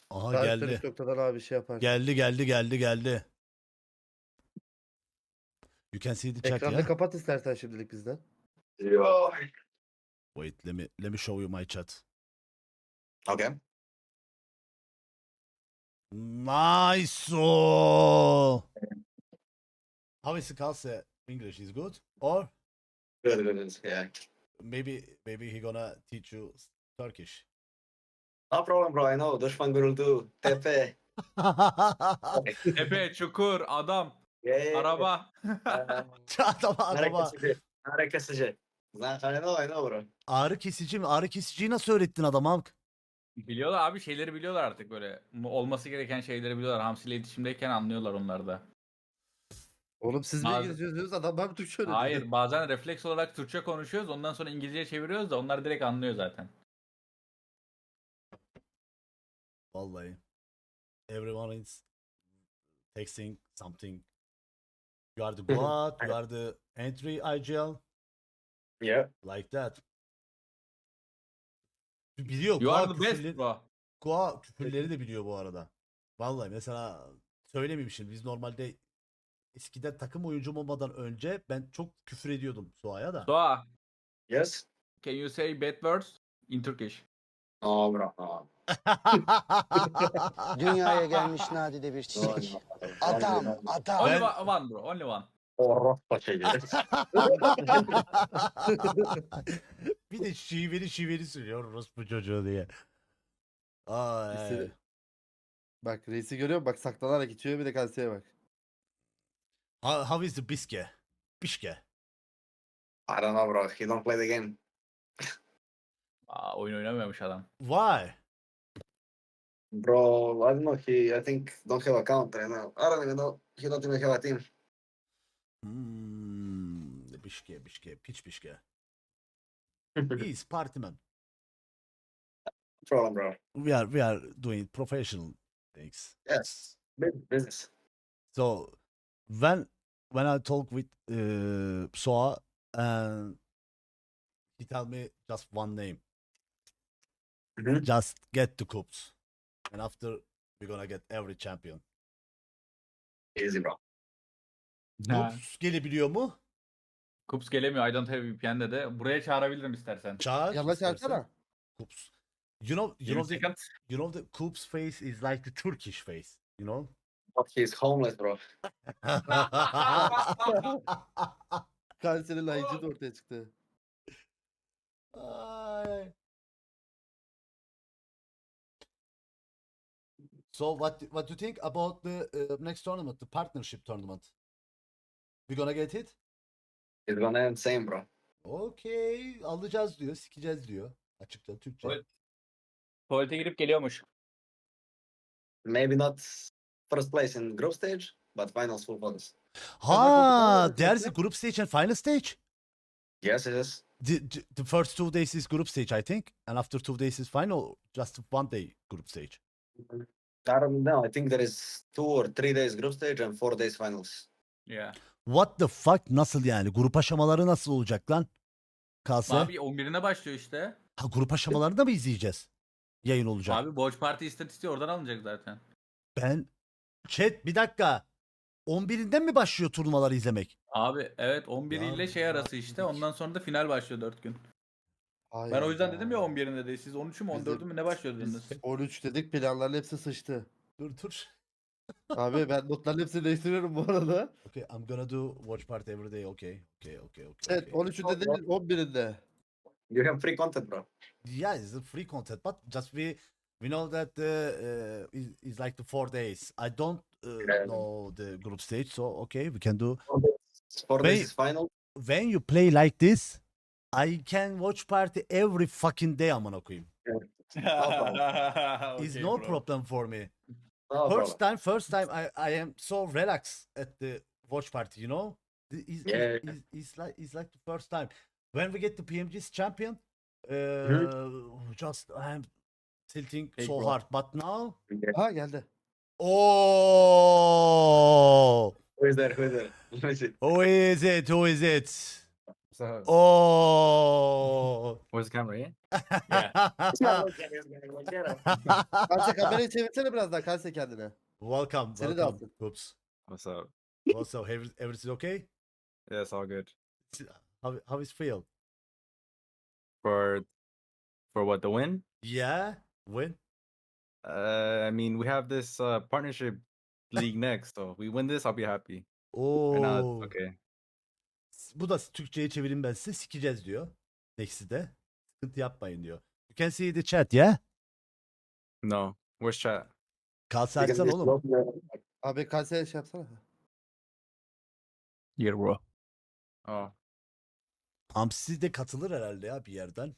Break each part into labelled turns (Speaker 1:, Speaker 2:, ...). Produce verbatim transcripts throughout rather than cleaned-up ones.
Speaker 1: Aha
Speaker 2: Daha üstten
Speaker 1: geldi.
Speaker 2: üç noktadan abi şey yapar.
Speaker 1: Geldi geldi geldi geldi. You can see the chat
Speaker 2: Ekranı
Speaker 1: ya.
Speaker 2: kapat istersen şimdilik bizden.
Speaker 3: Yo.
Speaker 1: Wait, let me let me show you my chat.
Speaker 3: Okay.
Speaker 1: Nice. How is Kalse English? Is good? Or
Speaker 3: Good, good, good. Yeah.
Speaker 1: maybe maybe he gonna teach you Turkish.
Speaker 3: No problem, bro. I know. Düşman gürültü. Tepe.
Speaker 4: Tepe, çukur, adam,
Speaker 3: Yeah.
Speaker 4: araba.
Speaker 1: adama
Speaker 3: Nare
Speaker 1: adama.
Speaker 3: kesici. Nare kesici. I know, I know, bro.
Speaker 1: Ağrı kesici mi? Ağrı kesiciyi nasıl öğrettin adama?
Speaker 4: Biliyorlar abi, şeyleri biliyorlar artık böyle. Olması gereken şeyleri biliyorlar. Hamsiyle iletişimdeyken anlıyorlar onlar da.
Speaker 2: Oğlum siz mi
Speaker 4: Bazı-
Speaker 2: İngilizce yazıyorsunuz? Adam ben Türkçe öğretiyor.
Speaker 4: Hayır, bazen refleks olarak Türkçe konuşuyoruz. Ondan sonra İngilizceye çeviriyoruz da onlar direkt anlıyor zaten.
Speaker 1: Vallahi. Everyone is texting something. You are the god, you are the entry I G L.
Speaker 3: Yeah.
Speaker 1: Like that. Biliyor.
Speaker 4: You
Speaker 1: Goa
Speaker 4: are the best
Speaker 1: küfürleri,
Speaker 4: bro.
Speaker 1: Goa küfürleri de biliyor bu arada. Vallahi mesela söylememişim. Biz normalde eskiden takım oyuncum olmadan önce ben çok küfür ediyordum Soğa'ya da.
Speaker 4: Doğa,
Speaker 3: Yes.
Speaker 4: can you say bad words in Turkish?
Speaker 3: No, bro. No.
Speaker 5: Dünyaya gelmiş nadide bir
Speaker 3: No,
Speaker 5: çiçek.
Speaker 3: no.
Speaker 5: Adam,
Speaker 3: No, no.
Speaker 5: adam.
Speaker 4: Only
Speaker 1: Ben-
Speaker 4: one, one bro, only one.
Speaker 3: Orospu çocuğu.
Speaker 1: Bir de şiveli şiveli söylüyor orospu çocuğu diye. Ay.
Speaker 2: İstedi- Bak reisi görüyor musun? Bak saklanarak içiyor, bir de kalseye bak.
Speaker 1: How, how is the biske? Bişke.
Speaker 3: I don't know, bro. He don't play the game.
Speaker 4: Aa, oyun oynamıyormuş adam.
Speaker 1: Why?
Speaker 3: Bro, I don't know. He, I think, don't have a counter. I know. I don't even know. He don't even have a team.
Speaker 1: Hmm, bişke bişke piç bişke. He is party man.
Speaker 3: Problem, bro.
Speaker 1: We are we are doing professional things.
Speaker 3: Yes. Big business.
Speaker 1: So when when I talk with uh, Soa and he tell me just one name,
Speaker 3: Mhm.
Speaker 1: just get the cups, and after we're gonna get every champion.
Speaker 3: Easy, bro.
Speaker 4: Ha.
Speaker 1: Cups gelebiliyor mu?
Speaker 4: Kups gelemiyor. I don't have V P N'de de. Buraya çağırabilirim istersen.
Speaker 1: Çağır.
Speaker 2: Yanına
Speaker 1: istersen.
Speaker 2: çağırsana.
Speaker 1: Cups. You know, you
Speaker 4: yirmi
Speaker 1: know the,
Speaker 4: second.
Speaker 1: you know the Cups face is like the Turkish face. You know.
Speaker 3: But he's homeless, bro.
Speaker 2: Kalsenin layıcı da ortaya çıktı.
Speaker 1: Ay. So what what do you think about the uh, next tournament, the partnership tournament? We gonna get it?
Speaker 3: He's gonna end same, bro.
Speaker 1: Okay, alacağız diyor, sikeceğiz diyor. Açıkça Türkçe.
Speaker 4: Evet. Tuvalete girip geliyormuş.
Speaker 3: Maybe not first place in group stage, but finals full focus.
Speaker 1: Ha, there's a group stage and final stage.
Speaker 3: Yes, it is.
Speaker 1: The, the, the first two days is group stage, I think, and after two days is final. Just one day group stage.
Speaker 3: I don't know. I think there is two or three days group stage and four days finals.
Speaker 4: Yeah.
Speaker 1: What the fuck? Nasıl yani? Grup aşamaları nasıl olacak lan? Kalse.
Speaker 4: Abi on birine başlıyor işte.
Speaker 1: Ha, grup aşamalarını da mı izleyeceğiz? Yayın olacak.
Speaker 4: Abi Watch Party istatistiği oradan alınacak zaten.
Speaker 1: Ben chat bir dakika. on birinden mi başlıyor turnuvaları izlemek?
Speaker 4: Abi evet on bir
Speaker 1: Ya,
Speaker 4: ile şey arası işte. Ondan sonra da final başlıyor dört gün.
Speaker 2: Hayır
Speaker 4: Ben o yüzden dedim ya on birinde de. Siz on üçü mü on dördü mü ne başlıyor dediniz?
Speaker 2: Biz on üç dedik, planların hepsi sıçtı.
Speaker 1: Dur dur.
Speaker 2: Abi ben notların hepsini değiştiriyorum bu arada.
Speaker 1: Okay, I'm gonna do watch party every day. Okay. Okay, okay, okay.
Speaker 2: Evet
Speaker 1: okay.
Speaker 2: on üçünde değil on birinde.
Speaker 3: You have free content, bro.
Speaker 1: Yeah, it's a free content, but just we we know that uh, uh, is is like the four days. I don't uh,
Speaker 3: Yeah.
Speaker 1: know the group stage, so okay, we can do.
Speaker 3: Four days, four days
Speaker 1: Wait.
Speaker 3: is final.
Speaker 1: When you play like this, I can watch party every fucking day. Amına koyayım. It's
Speaker 4: Okay,
Speaker 1: no
Speaker 4: bro.
Speaker 1: problem for me.
Speaker 3: No
Speaker 1: First
Speaker 3: problem.
Speaker 1: time, first time, I, I am so relaxed at the watch party. You know, The- it's,
Speaker 3: Yeah,
Speaker 1: it's,
Speaker 3: yeah.
Speaker 1: it's, it's like it's like the first time when we get the P M G's champion. Uh,
Speaker 3: Mhm.
Speaker 1: Just I'm tilting
Speaker 4: Hey,
Speaker 1: so
Speaker 4: bro.
Speaker 1: hard, but now,
Speaker 3: Yeah.
Speaker 2: Ha geldi.
Speaker 1: oh,
Speaker 3: Who is there? Who is there? Let me see.
Speaker 1: who is it? Who is it?
Speaker 6: What's up?
Speaker 1: Oh.
Speaker 6: Where's the camera? Yeah.
Speaker 3: Look at this guy, look at him.
Speaker 2: Kalse kamerayı çevirsene biraz daha Kalse kendine.
Speaker 1: Welcome,
Speaker 2: Seni de
Speaker 1: welcome.
Speaker 2: alsın.
Speaker 1: Oops.
Speaker 6: What's up?
Speaker 1: What's up? Every- Everything okay?
Speaker 6: Yeah, it's all good.
Speaker 1: How how is feel?
Speaker 6: For for what, the win?
Speaker 1: Yeah, win.
Speaker 6: Uh, I mean, we have this uh partnership league next, so we win this, I'll be happy. Right now,
Speaker 1: Oo.
Speaker 6: it's okay.
Speaker 1: Bu da Türkçe'ye çevireyim ben size. Sikeceğiz diyor. Next'i de. Sıkıntı yapmayın diyor. You can see the chat, yeah?
Speaker 6: No, where's chat?
Speaker 1: Kalsa
Speaker 3: Because
Speaker 1: açsana
Speaker 3: this
Speaker 1: oğlum.
Speaker 3: bloke-
Speaker 2: Abi Kalse'ye şey yapsana.
Speaker 6: Yeah, bro. Oh,
Speaker 1: Hamsi de katılır herhalde ya bir yerden.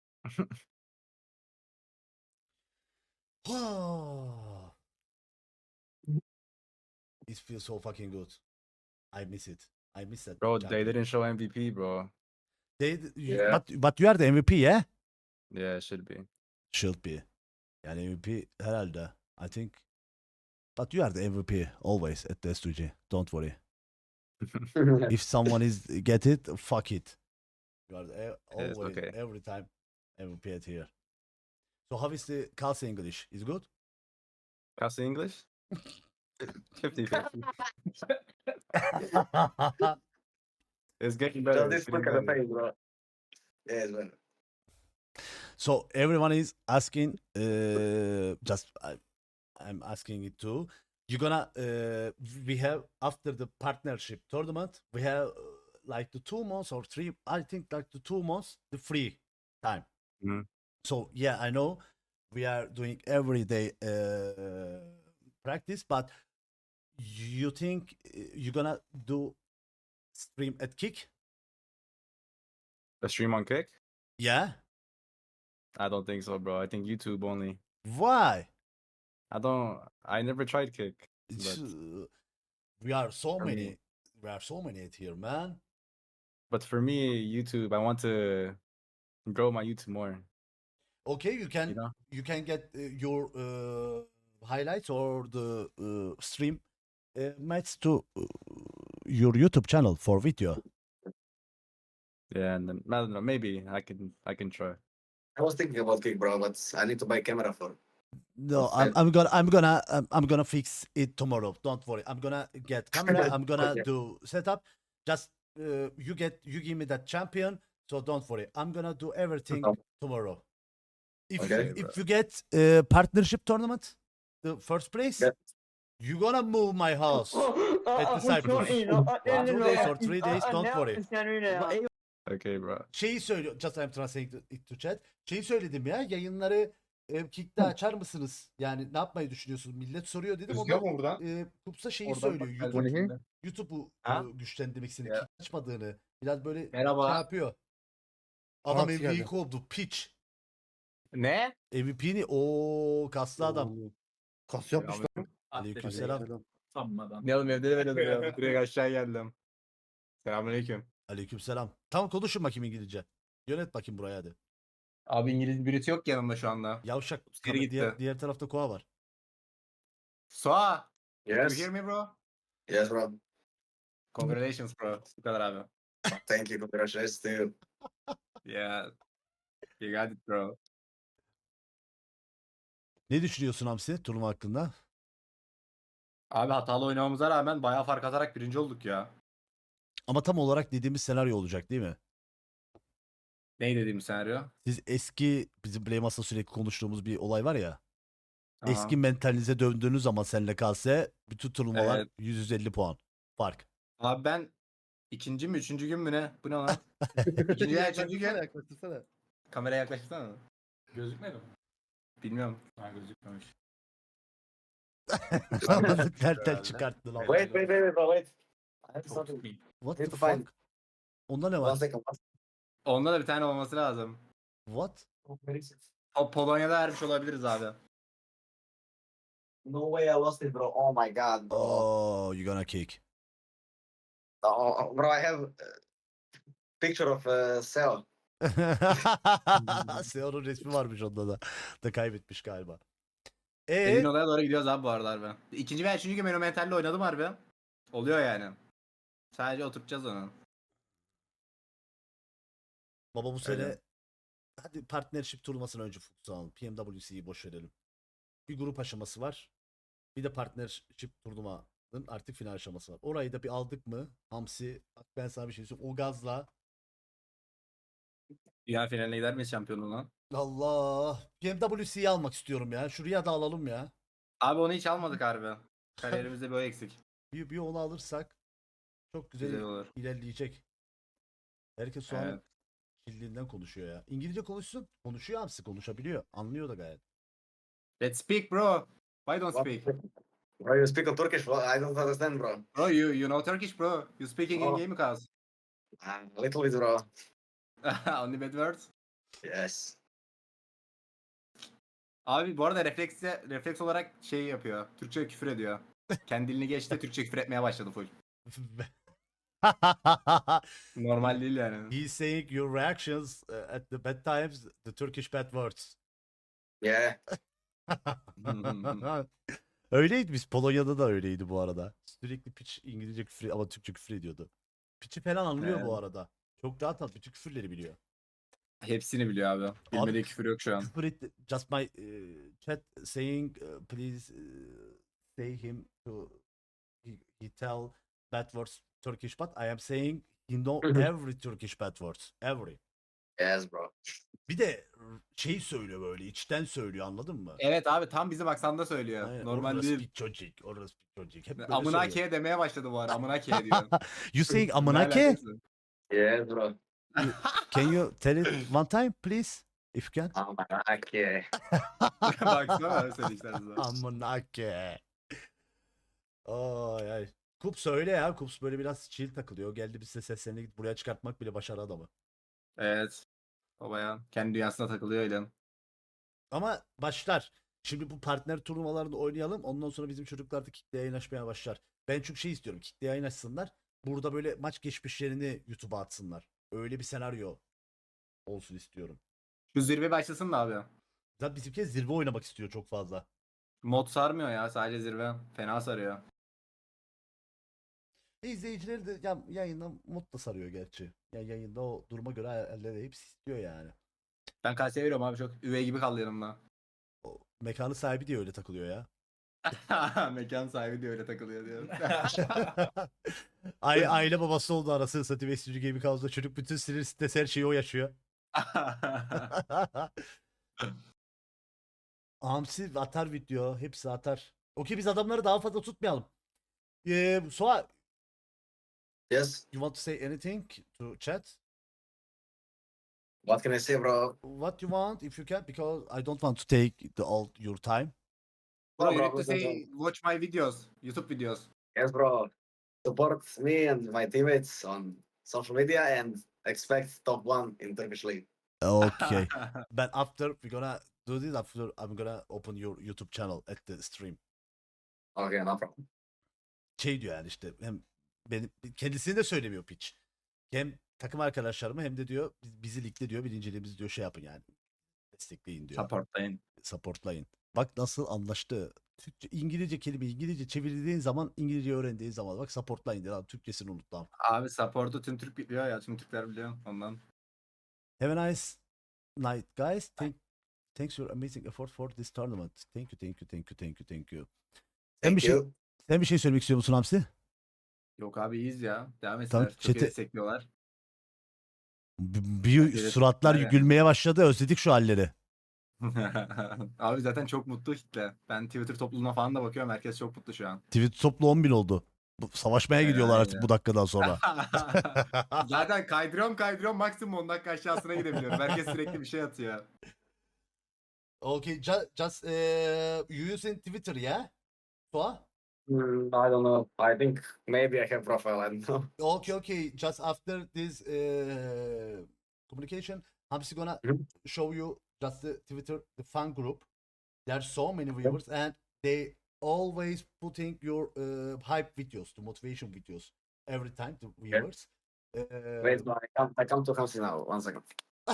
Speaker 1: It feels so fucking good. I miss it. I miss that.
Speaker 6: bro,
Speaker 1: champion.
Speaker 6: they didn't show M V P, bro.
Speaker 1: They, you-
Speaker 3: Yeah.
Speaker 1: but, but you are the M V P, yeah?
Speaker 6: Yeah, it should be.
Speaker 1: Should be. Yani M V P herhalde. I think. But you are the M V P always at the S two G. Don't worry. If someone is get it, fuck it. You are the, e-
Speaker 6: Yes,
Speaker 1: always
Speaker 6: okay.
Speaker 1: every time M V P at here. So how is the Kalsi English? Is good?
Speaker 6: Pass the English? fifty fifty. It's getting better.
Speaker 3: Just
Speaker 6: It's
Speaker 3: this look
Speaker 6: getting
Speaker 3: at the
Speaker 6: better.
Speaker 3: face, bro. Yes, man.
Speaker 1: So everyone is asking. Uh, just I, I'm asking it too. You're gonna. Uh, we have after the partnership tournament. We have uh, like the two months or three. I think like the two months the free time.
Speaker 6: Mhm.
Speaker 1: So yeah, I know we are doing every day uh, practice, but you think uh, you're gonna do stream at Kick?
Speaker 6: A stream on Kick?
Speaker 1: Yeah.
Speaker 6: I don't think so, bro. I think YouTube only.
Speaker 1: Why?
Speaker 6: I don't. I never tried Kick.
Speaker 1: It's,
Speaker 6: But,
Speaker 1: uh, we are so
Speaker 6: For
Speaker 1: many.
Speaker 6: me-
Speaker 1: We are so many at here, man.
Speaker 6: but for me, YouTube, I want to grow my YouTube more.
Speaker 1: Okay, you can
Speaker 6: You know?
Speaker 1: you can get uh, your uh, highlights or the uh, stream uh, match to uh, your YouTube channel for video.
Speaker 6: Yeah, and then I don't know. Maybe I can. I can try.
Speaker 3: I was thinking about Kick, bro, but I need to buy camera for.
Speaker 1: No,
Speaker 3: Okay.
Speaker 1: I'm, I'm gonna I'm gonna I'm, I'm gonna fix it tomorrow. Don't worry. I'm gonna get camera. I'm gonna
Speaker 3: Okay.
Speaker 1: do setup. Just uh, you get you give me that champion. So don't worry. I'm gonna do everything
Speaker 3: Okay.
Speaker 1: tomorrow. If
Speaker 3: Okay.
Speaker 1: you, if you get uh, partnership tournament, the first place,
Speaker 3: Yeah.
Speaker 1: you gonna move my house.
Speaker 7: At
Speaker 1: the Cyprus. Two days or three days, don't worry.
Speaker 6: Okay, bro.
Speaker 1: Şeyi söylüyor. Just I'm translating it to chat. Şeyi söyledim ya. Yayınları e, Kick'te açar mısınız? Yani ne yapmayı düşünüyorsunuz? Millet soruyor dedim. O da
Speaker 8: mu buradan?
Speaker 1: e, Kupsa şeyi
Speaker 6: Oradan
Speaker 1: söylüyor.
Speaker 6: bak-
Speaker 1: YouTube,
Speaker 6: Şimdi.
Speaker 1: YouTube'u
Speaker 6: Ha?
Speaker 1: e, güçlendirmek istediğini,
Speaker 6: Ya.
Speaker 1: Kick açmadığını. Biraz böyle
Speaker 6: Merhaba.
Speaker 1: şey yapıyor. Adam
Speaker 2: Fox
Speaker 1: M V P
Speaker 2: geldi.
Speaker 1: kovdu. Pitch.
Speaker 6: Ne?
Speaker 1: M V P'ni o kaslı adam.
Speaker 2: Kas yapmış lan.
Speaker 1: Aleykümselam.
Speaker 2: Selam.
Speaker 4: Sanmadan.
Speaker 6: Ne oğlum evde de böyle duruyor. Direkt aşağı geldim. Selamünaleyküm.
Speaker 1: Aleykümselam. Tamam konuşun bakayım İngilizce. Yönet bakayım buraya hadi.
Speaker 6: Abi İngiliz birisi yok yanımda şu anda.
Speaker 1: Yavşak.
Speaker 6: Geri gitti.
Speaker 1: Diğer, diğer tarafta koa var.
Speaker 6: Soa.
Speaker 3: Yes.
Speaker 6: You hear me, bro?
Speaker 3: Yes, bro.
Speaker 6: Congratulations, bro. Bu kadar abi.
Speaker 3: Thank you. Congratulations to you.
Speaker 6: Yeah. You got it, bro.
Speaker 1: Ne düşünüyorsun Hamsi turnuva hakkında?
Speaker 9: Abi hatalı oynamamıza rağmen bayağı fark atarak birinci olduk ya.
Speaker 1: Ama tam olarak dediğimiz senaryo olacak değil mi?
Speaker 9: Ne dediğim senaryo?
Speaker 1: Siz eski bizim Play Masa sürekli konuştuğumuz bir olay var ya.
Speaker 9: Aha.
Speaker 1: Eski mentalinize döndüğünüz zaman senle kalse bütün turnuvalar
Speaker 9: Evet.
Speaker 1: yüz yüz elli puan fark.
Speaker 9: Abi ben ikinci mi üçüncü gün mü ne? Bu ne lan? İkinci ya üçüncü
Speaker 2: Yaklaştırsana,
Speaker 9: gün.
Speaker 2: yaklaştırsana.
Speaker 9: Kameraya yaklaştırsana.
Speaker 4: Gözükmedi mi?
Speaker 9: Bilmiyorum.
Speaker 4: Ha gözükmemiş.
Speaker 1: Anladık nereden
Speaker 9: Herhalde.
Speaker 1: çıkarttın lan.
Speaker 3: Wait, wait, wait, wait, bro, wait. I have
Speaker 4: Çok
Speaker 3: something.
Speaker 4: tutmayayım.
Speaker 1: What
Speaker 3: Need
Speaker 1: the
Speaker 3: to find-
Speaker 1: fuck? Onda ne
Speaker 3: One
Speaker 1: var?
Speaker 3: second. One
Speaker 9: Onda da bir tane olması lazım.
Speaker 1: What?
Speaker 3: second.
Speaker 9: Po- Polonya'da ermiş olabiliriz abi.
Speaker 3: No way I lost it, bro. Oh my god, bro.
Speaker 1: Oh, you gonna kick.
Speaker 3: Oh, bro, I have a picture of uh, Cell.
Speaker 1: Seo'nun resmi varmış onda da. Da kaybetmiş galiba.
Speaker 9: Emin
Speaker 1: E
Speaker 9: olaya doğru gidiyoruz abi bu arada harbi. İkinci veya üçüncü gün ben o mentalle oynadım harbi. Oluyor yani. Sadece oturtacağız onu.
Speaker 1: Baba bu sene
Speaker 9: Öyle.
Speaker 1: hadi partnership turnuvasını önce fokus alalım. P M W C'yi boş verelim. Bir grup aşaması var. Bir de partnership turnuvanın artık final aşaması var. Orayı da bir aldık mı? Hamsi, bak ben sana bir şey söyleyeyim. O gazla
Speaker 9: Dünya finaline gider miyiz şampiyonluğuna?
Speaker 1: Allah. P M W C'yi almak istiyorum ya. Şuraya da alalım ya.
Speaker 9: Abi onu hiç almadık harbi. Kariyerimizde bir o eksik.
Speaker 1: Bir, bir onu alırsak çok güzel,
Speaker 9: Güzel olur.
Speaker 1: ilerleyecek. Herkes şu an
Speaker 9: Evet.
Speaker 1: kildiğinden konuşuyor ya. İngilizce konuşsun. Konuşuyor Hamsi, konuşabiliyor. Anlıyor da gayet.
Speaker 9: Let's speak bro. Why don't
Speaker 3: What?
Speaker 9: speak?
Speaker 3: Bro, you speak in Turkish? Well, I don't understand, bro.
Speaker 9: Bro you you know Turkish bro. You speaking in
Speaker 3: Oh.
Speaker 9: game cause.
Speaker 3: A little bit, bro.
Speaker 9: Only bad words.
Speaker 3: Yes.
Speaker 9: Abi bu arada refleksle, refleks olarak şey yapıyor. Türkçe küfür ediyor. Kendi dilini geçti Türkçe küfür etmeye başladı full. Normal değil yani.
Speaker 1: He's saying your reactions uh, at the bad times, the Turkish bad words.
Speaker 3: Yeah.
Speaker 1: Öyleydi, biz Polonya'da da öyleydi bu arada. Sürekli piç İngilizce küfür ama Türkçe küfür ediyordu. Piçi falan anlıyor bu
Speaker 9: Evet.
Speaker 1: arada. Çok rahat at, bütün küfürleri biliyor.
Speaker 9: Hepsini biliyor abi. Bilmediği küfür yok şu an.
Speaker 1: Küfür etti. Just my uh, chat saying uh, please uh, say him to he, he tell bad words Turkish, but I am saying he know
Speaker 3: Hı hı.
Speaker 1: every Turkish bad words. Every.
Speaker 3: Yes, bro.
Speaker 1: Bir de şey söylüyor, böyle içten söylüyor, anladın mı?
Speaker 9: Evet abi tam bizim aksanda söylüyor.
Speaker 1: Aynen,
Speaker 9: Normal
Speaker 1: orası
Speaker 9: değil.
Speaker 1: bir çocuk, orası bir çocuk. Hep böyle
Speaker 9: Amına
Speaker 1: söylüyor.
Speaker 9: ke demeye başladı bu ara. Amına ke diyor.
Speaker 1: You saying
Speaker 9: Ne
Speaker 1: amına ke?
Speaker 9: alakası?
Speaker 3: Yes, bro.
Speaker 1: Can you tell it one time please? If you can.
Speaker 3: Amanake.
Speaker 9: Baksana söyleyişlerinize.
Speaker 1: Amına ke. Ay ay. Kups öyle ya. Kups böyle biraz chill takılıyor. Geldi bize seslerini git buraya çıkartmak bile başarı adamı.
Speaker 9: Evet. O bayağı kendi dünyasına takılıyor öyle.
Speaker 1: Ama başlar. Şimdi bu partner turnuvalarında oynayalım. Ondan sonra bizim çocuklar da kitle yayınlaşmaya başlar. Ben çok şey istiyorum. Kitle yayınlaşsınlar. Burada böyle maç geçmişlerini YouTube'a atsınlar. Öyle bir senaryo olsun istiyorum.
Speaker 9: Şu zirve başlasın da abi.
Speaker 1: Zaten bizimki zirve oynamak istiyor çok fazla.
Speaker 9: Mod sarmıyor ya sadece zirve. Fena sarıyor.
Speaker 1: E izleyicileri de ya, yayında mutlu sarıyor gerçi. Ya yayında o duruma göre halleri hepsi istiyor yani.
Speaker 9: Ben kaseye veriyorum abi çok üvey gibi kaldı yanımda.
Speaker 1: O mekanı sahibi diye öyle takılıyor ya.
Speaker 9: Mekan sahibi de öyle takılıyor diyor.
Speaker 1: Aile, aile babası oldu arasını satayım. Estüdyo Gaming House'da çocuk bütün sinir stres her şeyi o yaşıyor. Hamsi atar video. Hepsi atar. Okey, biz adamları daha fazla tutmayalım. Ee, Soa,
Speaker 3: Yes.
Speaker 1: you want to say anything to chat?
Speaker 3: What can I say, bro?
Speaker 1: What you want if you can, because I don't want to take the all your time.
Speaker 9: Bro, you
Speaker 3: bro,
Speaker 9: need to say watch my videos. YouTube videos.
Speaker 3: Yes, bro. Support me and my teammates on social media and expect top one in Turkish League.
Speaker 1: Okay. But after we're gonna do this, after I'm gonna open your YouTube channel at the stream.
Speaker 3: Okay, no problem.
Speaker 1: Şey diyor yani, işte hem benim kendisini de söylemiyor piç. Hem takım arkadaşlarımı hem de diyor biz- bizi ligde diyor birinciliğimizi diyor şey yapın yani. Destekleyin diyor.
Speaker 9: Supportlayın.
Speaker 1: Supportlayın. Bak nasıl anlaştı. Türkçe, İngilizce kelime İngilizce çevirdiğin zaman, İngilizce öğrendiğin zaman bak supportlayın diyor. Türkçesini unuttu ama.
Speaker 9: Abi support'u tüm Türk biliyor ya. Tüm Türkler biliyor ondan.
Speaker 1: Have a nice night guys. Thank, thanks your amazing effort for this tournament. Thank you, thank you, thank you, thank you, thank you. Sen
Speaker 3: Thank
Speaker 1: bir şey
Speaker 3: you.
Speaker 1: sen bir şey söylemek istiyor musun Hamsi?
Speaker 9: Yok abi iyiyiz ya. Devam
Speaker 1: Tamam,
Speaker 9: etsinler. Çok iyi
Speaker 1: chat'e-
Speaker 9: destekliyorlar.
Speaker 1: B- Bir
Speaker 9: Evet,
Speaker 1: suratlar
Speaker 9: aynen.
Speaker 1: gülmeye başladı. Özledik şu halleri.
Speaker 9: Abi zaten çok mutlu kitle. Ben Twitter topluluğuna falan da bakıyorum. Herkes çok mutlu şu an.
Speaker 1: Tweet toplu on bin oldu. Bu, savaşmaya
Speaker 9: Aynen,
Speaker 1: gidiyorlar artık
Speaker 9: aynen.
Speaker 1: bu dakikadan sonra.
Speaker 9: Zaten kaydırıyorum kaydırıyorum maksimum on dakika aşağısına gidebiliyorum. Herkes sürekli bir şey atıyor.
Speaker 1: Okay, just, just uh, you using Twitter, yeah? Soa?
Speaker 3: Hmm, I don't know. I think maybe I have profile. I don't know.
Speaker 1: Okay, okay. Just after this uh, communication, Hamsi gonna
Speaker 3: Mhm.
Speaker 1: show you just the Twitter, the fan group. There's so many viewers, and they always putting your uh, hype videos, the motivation videos, every time the viewers. Uh,
Speaker 3: Wait, no, I come. I come to Hamsi now. One second.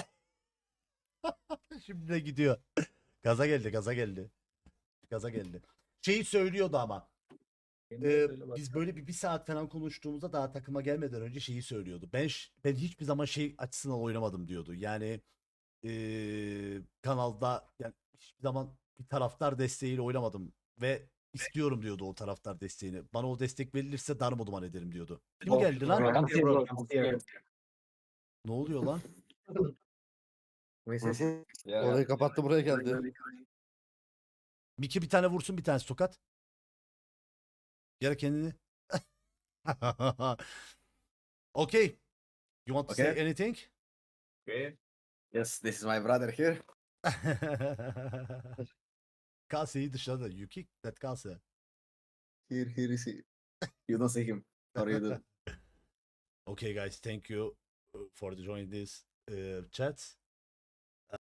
Speaker 1: Şimdi de gidiyor. Gaza geldi, gaza geldi. Gaza geldi. Şeyi söylüyordu ama. Ee, biz böyle bir, bir saat falan konuştuğumuzda daha takıma gelmeden önce şeyi söylüyordu. Ben ş- ben hiçbir zaman şey açısından oynamadım diyordu. Yani ee, kanalda yani hiçbir zaman bir taraftar desteğiyle oynamadım ve istiyorum diyordu o taraftar desteğini. Bana o destek verilirse darmaduman ederim diyordu. Kim geldi lan?
Speaker 3: Come here, bro. Come here.
Speaker 1: Ne oluyor lan?
Speaker 3: Sí, sí.
Speaker 2: Orayı kapattı buraya geldi.
Speaker 1: Miki bir tane vursun, bir tane tokat. Gel kendini. Okay. You want to say
Speaker 3: Okay.
Speaker 1: anything?
Speaker 3: Okay. Yes, this is my brother here.
Speaker 1: Kase'yi dışladı. You kick that Kase.
Speaker 3: Here, here is he. You don't see him. Or you do.
Speaker 1: Okay guys, thank you uh, for joining this uh, chat.